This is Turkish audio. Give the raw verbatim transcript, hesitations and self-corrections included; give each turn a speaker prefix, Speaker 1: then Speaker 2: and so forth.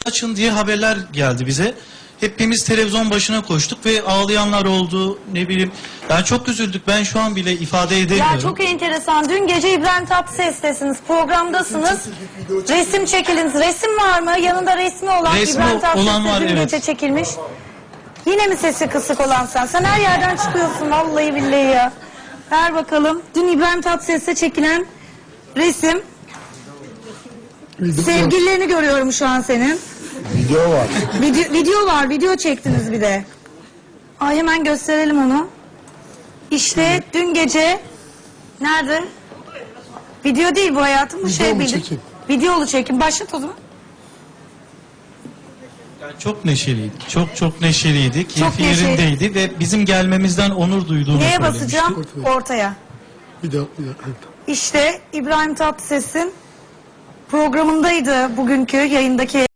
Speaker 1: açın diye haberler geldi bize. Hepimiz televizyon başına koştuk ve ağlayanlar oldu, ne bileyim. Ben çok üzüldük. Ben şu an bile ifade edemiyorum.
Speaker 2: Ya çok enteresan. Dün gece İbrahim Tatlıses'tesiniz, programdasınız. Resim çekiliniz. Resim var mı? Yanında resmi olan
Speaker 1: Resmi
Speaker 2: İbrahim Tatlıses'te
Speaker 1: olan var,
Speaker 2: dün
Speaker 1: evet.
Speaker 2: gece çekilmiş. Yine mi sesi kısık olan sen? Sen her yerden çıkıyorsun vallahi billahi ya. Ver bakalım. Dün İbrahim Tatlıses'te çekilen resim. Sevgililerini görüyorum şu an senin.
Speaker 3: Video var.
Speaker 2: Video, video var. Video çektiniz bir de. Ay hemen gösterelim onu. İşte dün gece nerede? Video değil bu hayatım. Bu şey
Speaker 3: Videolu
Speaker 2: bildim.
Speaker 3: çekim.
Speaker 2: Videolu çekim. Başlat o zaman.
Speaker 1: Yani çok neşeliydik. Çok çok neşeliydik.
Speaker 2: Çok
Speaker 1: Keyfi
Speaker 2: neşeli.
Speaker 1: yerindeydi ve bizim gelmemizden onur duyduğunu
Speaker 2: Neye
Speaker 1: söylemişti.
Speaker 2: basacağım? Ortaya.
Speaker 3: Bir daha, bir daha.
Speaker 2: İşte İbrahim Tatlıses'in programındaydı bugünkü yayındaki